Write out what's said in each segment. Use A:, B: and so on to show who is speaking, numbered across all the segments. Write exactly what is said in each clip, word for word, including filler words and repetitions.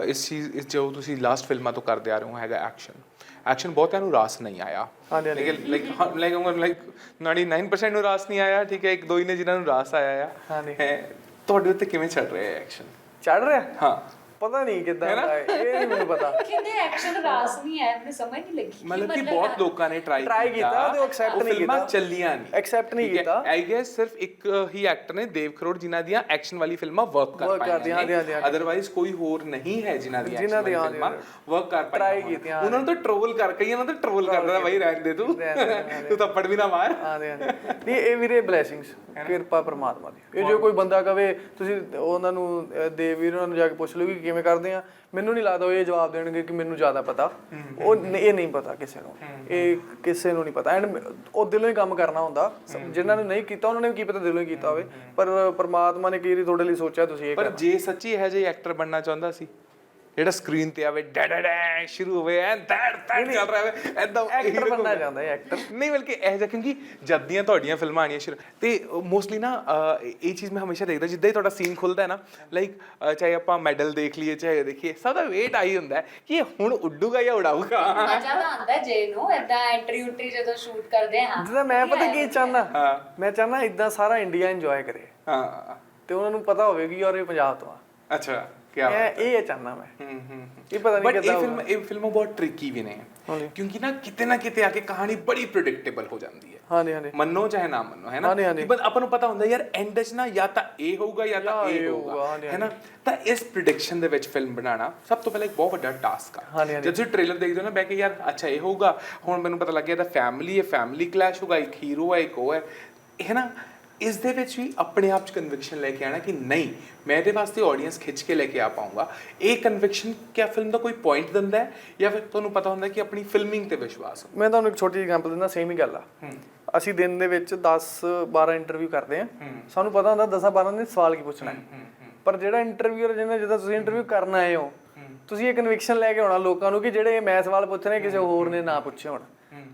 A: ਇਸ ਚੀਜ਼ ਇਸ ਜੋ ਤੁਸੀਂ ਲਾਸਟ ਫਿਲਮਾਂ ਤੋਂ ਕਰਦੇ ਆ ਰਹੇ ਹੋ ਹੈਗਾ ਐਕਸ਼ਨ ਐਕਸ਼ਨ ਬਹੁਤਿਆਂ ਨੂੰ ਰਾਸ ਨਹੀਂ ਆਇਆ ਲੇਕਿਨ like like like ninety-nine percent ਨੂੰ ਰਾਸ ਨਹੀਂ ਆਇਆ ਠੀਕ ਹੈ ਇੱਕ ਦੋ ਹੀ ਨੇ ਜਿਨ੍ਹਾਂ ਨੂੰ ਰਾਸ ਆਇਆ ਆ ਤੁਹਾਡੇ ਉੱਤੇ ਕਿਵੇਂ ਚੱਲ ਰਿਹਾ ਹੈ ਐਕਸ਼ਨ
B: ਚੜ ਰਿਹਾ
A: ਹਾਂ
B: ਪਤਾ ਨਹੀਂ ਕਿੱਦਾਂ ਹੁੰਦਾ ਹੈ ਇਹ ਨਹੀਂ ਮੈਨੂੰ ਪਤਾ
C: ਕਹਿੰਦੇ ਐਕਸ਼ਨ ਰਾਸ ਨਹੀਂ ਆਇਆ ਮੈਨੂੰ ਸਮਝ ਨਹੀਂ ਲੱਗੀ
A: ਮਤਲਬ ਕਿ ਬਹੁਤ ਲੋਕਾਂ ਨੇ ਟਰਾਈ
B: ਟਰਾਈ ਕੀਤਾ ਤੇ ਉਹ ਐਕਸੈਪਟ ਨਹੀਂ ਕੀਤਾ
A: ਚੱਲੀਆਂ ਨਹੀਂ
B: ਐਕਸੈਪਟ ਨਹੀਂ ਕੀਤਾ
A: ਆਈ ਗੈਸ ਸਿਰਫ ਇੱਕ ਹੀ ਐਕਟਰ ਨੇ ਦੇਵ ਖਰੋੜ ਜਿਨ੍ਹਾਂ ਦੀਆਂ ਐਕਸ਼ਨ ਵਾਲੀ ਫਿਲਮਾਂ ਵਰਕ ਕਰ ਪਾਈਆਂ ਨੇ ਅਦਰਵਾਈਜ਼ ਕੋਈ ਹੋਰ ਨਹੀਂ ਹੈ ਜਿਨ੍ਹਾਂ ਦੀਆਂ ਐਕਸ਼ਨ ਵਾਲੀ ਫਿਲਮਾਂ ਵਰਕ ਕਰ
B: ਟਰਾਈ ਕੀਤੀਆਂ
A: ਉਹਨਾਂ ਨੂੰ ਤਾਂ ਟ੍ਰੋਲ ਕਰ ਕਈਆਂ ਨੂੰ ਤਾਂ ਟ੍ਰੋਲ ਕਰਦਾ ਬਾਈ ਰਹਿਣ ਦੇ ਤੂੰ ਤੂੰ ਥੱਪੜ ਵੀ ਨਾ ਮਾਰ
B: ਹਾਂ ਹਾਂ ਨਹੀਂ ਇਹ ਵੀਰੇ ਬਲੇਸਿੰਗਸ ਕਿਰਪਾ ਪਰਮਾਤਮਾ ਦੀ ਇਹ ਜੋ ਕੋਈ ਬੰਦਾ ਕਵੇ ਤੁਸੀਂ ਉਹਨਾਂ ਨੂੰ ਦੇਵ ਵੀਰ ਉਹਨਾਂ ਨੂੰ ਜਾ ਕੇ ਪੁੱਛ ਲਓ ਕਿ ਕਿਵੇਂ ਕਰਦੇ ਆ ਮੈਨੂੰ ਨਹੀਂ ਲੱਗਦਾ ਉਹ ਇਹ ਜਵਾਬ ਦੇਣਗੇ ਕਿ ਮੈਨੂੰ ਜ਼ਿਆਦਾ ਪਤਾ ਉਹ ਇਹ ਨਹੀਂ ਪਤਾ ਕਿਸੇ ਨੂੰ ਇਹ ਕਿਸੇ ਨੂੰ ਨਹੀਂ ਪਤਾ ਐਂਡ ਉਹ ਦਿਲੋਂ ਹੀ ਕੰਮ ਕਰਨਾ ਹੁੰਦਾ ਜਿਨ੍ਹਾਂ ਨੇ ਨਹੀਂ ਕੀਤਾ ਉਹਨਾਂ ਨੇ ਵੀ ਕੀ ਪਤਾ ਦਿਲੋਂ ਹੀ ਕੀਤਾ ਹੋਵੇ ਪਰ ਪਰਮਾਤਮਾ ਨੇ ਕੀ ਤੁਹਾਡੇ ਲਈ ਸੋਚਿਆ ਤੁਸੀਂ ਇਹ
A: ਪਰ ਜੇ ਸੱਚੀ ਹੈ ਜੇ ਐਕਟਰ ਬਣਨਾ ਚਾਹੁੰਦਾ ਸੀ ਜਿਹੜਾ ਸਕਰੀਨ ਤੇ ਆਵੇ ਡੈ ਡੈ ਡੈ ਸ਼ੁਰੂ ਹੋਵੇ ਐ ਦੜ ਦੜ ਚੱਲ ਰਿਹਾ ਹੋਵੇ ਐਦਾਂ
B: ਐਕਟਰ ਬਣਨਾ ਚਾਹੁੰਦਾ ਹੈ ਐਕਟਰ
A: ਨਹੀਂ ਬਲਕਿ ਇਹ ਜਿਹਾ ਕਿਉਂਕਿ ਜਦ ਦੀਆਂ ਤੁਹਾਡੀਆਂ ਫਿਲਮਾਂ ਆਣੀਆਂ ਸ਼ੁਰੂ ਤੇ ਮੋਸਟਲੀ ਨਾ ਇਹ ਚੀਜ਼ ਮੈਂ ਹਮੇਸ਼ਾ ਦੇਖਦਾ ਜਿੱਦਾਂ ਹੀ ਤੁਹਾਡਾ ਸੀਨ ਖੁੱਲਦਾ ਹੈ ਨਾ ਲਾਈਕ ਚਾਹੇ ਆਪਾਂ ਮੈਡਲ ਦੇਖ ਲਈਏ ਚਾਹੇ ਦੇਖੀਏ ਸਭ ਦਾ ਵੇਟ ਆਈ ਹੁੰਦਾ ਕਿ ਹੁਣ ਉੱਡੂਗਾ ਜਾਂ ਉਡਾਊਗਾ
C: ਮਜ਼ਾ ਤਾਂ ਆਉਂਦਾ ਜੇ ਨੂੰ ਐਦਾਂ ਐਂਟਰੀ ਉਟਰੀ ਜਦੋਂ ਸ਼ੂਟ ਕਰਦੇ ਹਾਂ
B: ਜਿੱਦਾਂ ਮੈਂ ਪਤਾ ਕੀ ਚਾਹੁੰਦਾ ਮੈਂ ਚਾਹੁੰਦਾ ਇਦਾਂ ਸਾਰਾ ਇੰਡੀਆ ਇੰਜੋਏ ਕਰੇ
A: ਹਾਂ
B: ਤੇ ਉਹਨਾਂ ਨੂੰ ਪਤਾ ਹੋਵੇ ਕਿ ਯਾਰ ਇਹ ਪੰਜਾਬ ਤੋਂ ਆ
A: ਅੱਛਾ
B: ਇਹ ਇਹ ਚਾਹੁੰਦਾ ਮੈਂ
A: ਹੂੰ ਹੂੰ
B: ਇਹ ਪਤਾ ਨਹੀਂ
A: ਕਿੱਦਾਂ ਇਹ ਫਿਲਮ ਇਹ ਫਿਲਮਾਂ ਬਹੁਤ ਟ੍ਰਿਕੀ ਵੀ ਨੇ ਕਿਉਂਕਿ ਨਾ ਕਿਤੇ ਨਾ ਕਿਤੇ ਆ ਕੇ ਕਹਾਣੀ ਬੜੀ ਪ੍ਰੈਡਿਕਟੇਬਲ ਹੋ ਜਾਂਦੀ ਹੈ
B: ਹਾਂਜੀ ਹਾਂਜੀ
A: ਮੰਨੋ ਚਾਹੇ ਨਾ ਮੰਨੋ ਹੈ ਨਾ ਬਸ ਆਪਾਂ ਨੂੰ ਪਤਾ ਹੁੰਦਾ ਯਾਰ ਐਂਡ 'ਚ ਨਾ ਜਾਂ ਤਾਂ ਇਹ ਹੋਊਗਾ ਜਾਂ ਤਾਂ ਇਹ ਹੋਊਗਾ ਹੈ ਨਾ ਤਾਂ ਇਸ ਪ੍ਰੈਡਿਕਸ਼ਨ ਦੇ ਵਿੱਚ ਫਿਲਮ ਬਣਾਉਣਾ ਸਭ ਤੋਂ ਪਹਿਲਾਂ ਇੱਕ ਬਹੁਤ ਵੱਡਾ ਟਾਸਕ ਆ ਜਦ ਤੁਸੀਂ ਟ੍ਰੇਲਰ ਦੇਖਦੇ ਹੋ ਨਾ ਬੈ ਕੇ ਯਾਰ ਅੱਛਾ ਇਹ ਹੋਊਗਾ ਹੁਣ ਮੈਨੂੰ ਪਤਾ ਲੱਗਿਆ ਤਾਂ ਫੈਮਿਲੀ ਹੈ ਫੈਮਿਲੀ ਕਲੈਸ਼ ਹੋਊਗਾ ਇੱਕ ਹੀਰੋ ਹੈ ਇੱਕ ਉਹ ਹੈ ਹੈ ਨਾ ਇਸ ਦੇ ਵਿੱਚ ਵੀ ਆਪਣੇ ਆਪ 'ਚ ਕਨਵਿਕਸ਼ਨ ਲੈ ਕੇ ਆਉਣਾ ਕਿ ਨਹੀਂ ਮੈਂ ਇਹਦੇ ਵਾਸਤੇ ਆਡੀਅנס ਖਿੱਚ ਕੇ ਲੈ ਕੇ ਆ ਪਾਊਂਗਾ ਇਹ ਕਨਵਿਕਸ਼ਨ ਕਿਆ ਫਿਲਮ ਦਾ ਕੋਈ ਪੁਆਇੰਟ ਦਿੰਦਾ ਹੈ ਜਾਂ ਫਿਰ ਤੁਹਾਨੂੰ ਪਤਾ ਹੁੰਦਾ ਕਿ ਆਪਣੀ ਫਿਲਮਿੰਗ ਤੇ ਵਿਸ਼ਵਾਸ ਹੋ
B: ਮੈਂ ਤੁਹਾਨੂੰ ਇੱਕ ਛੋਟੀ ਜਿਹੀ ਐਗਜ਼ਾਮਪਲ ਦਿੰਦਾ ਸੇਮ ਹੀ ਗੱਲ ਆ ਅਸੀਂ ਦਿਨ ਦੇ ਵਿੱਚ ਦਸ ਬਾਰਾਂ ਇੰਟਰਵਿਊ ਕਰਦੇ ਆ ਸਾਨੂੰ ਪਤਾ ਹੁੰਦਾ ਦਸਾਂ ਬਾਰਾਂ ਦੇ ਸਵਾਲ ਕੀ ਪੁੱਛਣਾ ਹੈ ਪਰ ਜਿਹੜਾ ਇੰਟਰਵਿਊਅਰ ਜਿਹਨੇ ਜਿੱਦਾਂ ਤੁਸੀਂ ਇੰਟਰਵਿਊ ਕਰਨ ਆਏ ਹੋ ਤੁਸੀਂ ਇਹ ਕਨਵਿਕਸ਼ਨ ਲੈ ਕੇ ਆਉਣਾ ਲੋਕਾਂ ਨੂੰ ਕਿ ਜਿਹੜੇ ਮੈਂ ਸਵਾਲ ਪੁੱਛ ਰਹੇ ਕਿਸੇ ਹੋਰ ਨੇ ਨਾ ਪੁੱਛੇ ਹੋਣ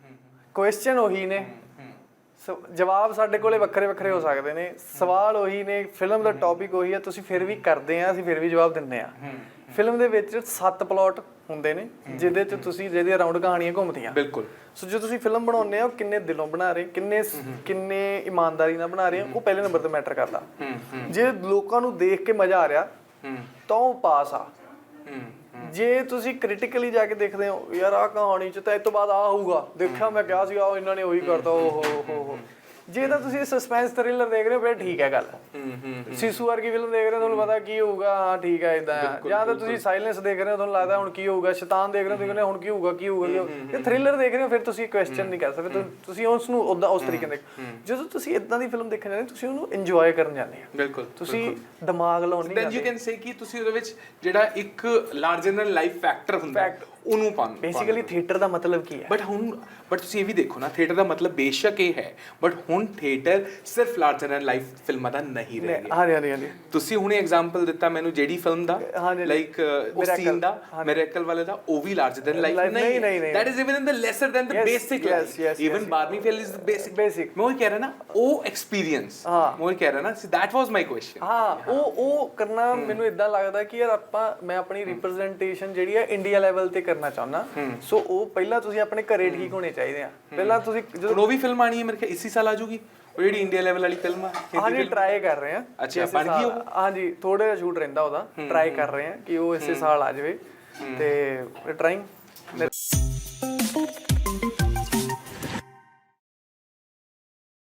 B: ਕੁਐਸਚਨ ਉਹੀ ਨੇ ਜਵਾਬ ਸਾਡੇ ਕੋਲੇ ਵੱਖਰੇ ਵੱਖਰੇ ਹੋ ਸਕਦੇ ਨੇ ਸਵਾਲ ਉਹੀ ਨੇ ਫਿਲਮ ਦਾ ਟੌਪਿਕ ਉਹੀ ਹੈ ਤੁਸੀਂ ਫਿਰ ਵੀ ਕਰਦੇ ਆ ਅਸੀਂ ਫਿਰ ਵੀ ਜਵਾਬ ਦਿੰਦੇ ਆ ਫਿਲਮ ਦੇ ਵਿੱਚ ਸੱਤ ਪਲਾਟ ਹੁੰਦੇ ਨੇ ਜਿਹਦੇ 'ਚ ਤੁਸੀਂ ਜਿਹਦੇ ਅਰਾਊਂਡ ਕਹਾਣੀਆਂ ਘੁੰਮਦੀਆਂ
A: ਬਿਲਕੁਲ
B: ਸੋ ਜੋ ਤੁਸੀਂ ਫਿਲਮ ਬਣਾਉਂਦੇ ਆ ਉਹ ਕਿੰਨੇ ਦਿਲੋਂ ਬਣਾ ਰਹੇ ਕਿੰਨੇ ਕਿੰਨੇ ਇਮਾਨਦਾਰੀ ਨਾਲ ਬਣਾ ਰਹੇ ਉਹ ਪਹਿਲੇ ਨੰਬਰ ਤੇ ਮੈਟਰ ਕਰਦਾ ਜੇ ਲੋਕਾਂ ਨੂੰ ਦੇਖ ਕੇ ਮਜ਼ਾ ਆ ਰਿਹਾ ਤਾਂ ਉਹ ਪਾਸ ਆ ਜੇ ਤੁਸੀਂ ਕ੍ਰਿਟੀਕਲੀ ਜਾ ਕੇ ਦੇਖਦੇ ਹੋ ਯਾਰ ਆਹ ਕਹਾਣੀ ਚ ਤਾਂ ਇਸ ਤੋਂ ਬਾਅਦ ਆ ਹੋਊਗਾ ਦੇਖਿਆ ਮੈਂ ਕਿਹਾ ਸੀ ਆਹ ਇਹਨਾਂ ਨੇ ਉਹੀ ਕਰਤਾ ਓ ਹੋ ਹੋ ਹੋ ਜੇ ਤਾਂ ਤੁਸੀਂ ਸਸਪੈਂਸ ਥ੍ਰਿਲਰ ਦੇਖ ਰਹੇ ਹੋ ਫਿਰ ਠੀਕ ਹੈ ਗੱਲ ਸਿਸੂ ਵਰਗੀ ਫਿਲਮ ਦੇਖ ਰਹੇ ਹੋ ਤੁਹਾਨੂੰ ਪਤਾ ਕੀ ਹੋਊਗਾ ਹਾਂ ਠੀਕ ਹੈ ਇਦਾਂ ਜਾਂ ਤਾਂ ਤੁਸੀਂ ਸਾਇਲੈਂਸ ਦੇਖ ਰਹੇ ਹੋ ਤੁਹਾਨੂੰ ਲੱਗਦਾ ਹੁਣ ਕੀ ਹੋਊਗਾ ਸ਼ੈਤਾਨ ਦੇਖ ਰਹੇ ਹੋ ਤੁਸੀਂ ਕਹਿੰਦੇ ਹੁਣ ਕੀ ਹੋਊਗਾ ਕੀ ਹੋਊਗਾ ਜੇ ਥ੍ਰਿਲਰ ਦੇਖ ਰਹੇ ਹੋ ਫਿਰ ਤੁਸੀਂ ਕੁਐਸਚਨ ਨਹੀਂ ਕਰ ਸਕਦੇ ਤੁਸੀਂ ਉਸ ਨੂੰ ਉਦਾਂ ਉਸ ਤਰੀਕੇ ਨਾਲ ਜਦੋਂ ਤੁਸੀਂ ਇਦਾਂ ਦੀ ਫਿਲਮ ਦੇਖਣ ਜਾਂਦੇ ਤੁਸੀਂ ਉਹਨੂੰ ਇੰਜੋਏ ਕਰਨ ਜਾਂਦੇ ਆ
A: ਬਿਲਕੁਲ
B: ਤੁਸੀਂ ਦਿਮਾਗ ਲਾਉਣ ਨਹੀਂ
A: ਜਾਂਦੇ ਯੂ ਕੈਨ ਸੇ ਕਿ ਤੁਸੀਂ ਉਹਦੇ ਵਿੱਚ ਜਿਹੜਾ ਇੱਕ ਲਾਰਜਰ ਦੈਨ ਲਾਈਫ ਫੈਕਟਰ ਹੁੰਦਾ ਉਹਨੂੰ ਪਾਉਂ
B: ਬੇਸਿਕਲੀ ਥੀਏਟਰ ਦਾ ਮਤਲਬ ਕੀ ਹੈ
A: ਬਟ ਹੁਣ ਬਟ ਤੁਸੀਂ ਇਹ ਵੀ ਦੇਖੋ ਨਾ ਥੀਏਟਰ ਦਾ ਮਤਲਬ ਬੇਸ਼ੱਕ ਇਹ ਹੈ ਬਟ ਹੁਣ ਥੀਏਟਰ ਸਿਰਫ ਲਾਰਜਰ ਦੈਨ ਲਾਈਫ ਫਿਲਮਾਂ ਦਾ ਨਹੀਂ ਰਹਿ ਗਿਆ
B: ਹਾਂਜੀ ਹਾਂਜੀ ਹਾਂਜੀ
A: ਤੁਸੀਂ ਹੁਣੇ ਐਗਜ਼ਾਮਪਲ ਦਿੱਤਾ ਮੈਨੂੰ ਜਿਹੜੀ ਫਿਲਮ ਦਾ ਲਾਈਕ ਉਸ ਸੀਨ ਦਾ ਮਿਰੇਕਲ ਵਾਲੇ ਦਾ ਉਹ ਵੀ ਲਾਰਜਰ ਦੈਨ ਲਾਈਫ ਨਹੀਂ that is even in the lesser than the basic even Barney fail is the basic
B: basic
A: ਮੈਂ ਉਹ ਕਹਿ ਰਿਹਾ ਨਾ ਉਹ ਐਕਸਪੀਰੀਅੰਸ ਮੈਂ ਉਹ ਕਹਿ ਰਿਹਾ ਨਾ ਸੀ ਦੈਟ ਵਾਸ ਮਾਈ ਕੁਐਸਚਨ
B: ਹਾਂ ਉਹ ਉਹ ਕਰਨਾ ਮੈਨੂੰ ਇਦਾਂ ਲੱਗਦਾ ਕਿ ਯਾਰ ਆਪਾਂ ਮੈਂ ਆਪਣੀ ਰਿਪਰੈਜ਼ੈਂਟੇਸ਼ਨ ਜਿਹੜੀ ਹੈ ਇੰਡੀਆ ਲੈਵਲ ਤੇ ਕਰਨਾ ਚਾਹੁੰਦਾ ਸੋ ਉਹ ਪਹਿਲਾਂ ਤੁਸੀਂ ਆਪਣੇ ਘਰੇ ਠੀਕ ਹੋਣੇ ਚਾਹੀਦੇ ਆ ਪਹਿਲਾਂ ਤੁਸੀਂ
A: ਜਦੋਂ ਉਹ ਵੀ ਫਿਲਮ ਆਣੀ ਹੈ ਮੇਰੇ ਖਿਆਲ ਇਸੇ ਸਾਲ ਆ ਜੂਗੀ ਉਹ ਜਿਹੜੀ ਇੰਡੀਆ ਲੈਵਲ ਵਾਲੀ ਫਿਲਮ ਆ
B: ਹਾਂਜੀ ਟਰਾਈ ਕਰ ਰਹੇ ਆ
A: ਅੱਛਾ ਬਣ ਗਈ ਉਹ
B: ਹਾਂਜੀ ਥੋੜਾ ਜਿਹਾ ਸ਼ੂਟ ਰਹਿੰਦਾ ਉਹਦਾ ਟਰਾਈ ਕਰ ਰਹੇ ਆ ਕਿ ਉਹ ਇਸੇ ਸਾਲ ਆ ਜਾਵੇ ਤੇ ਟਰਾਈਂਗ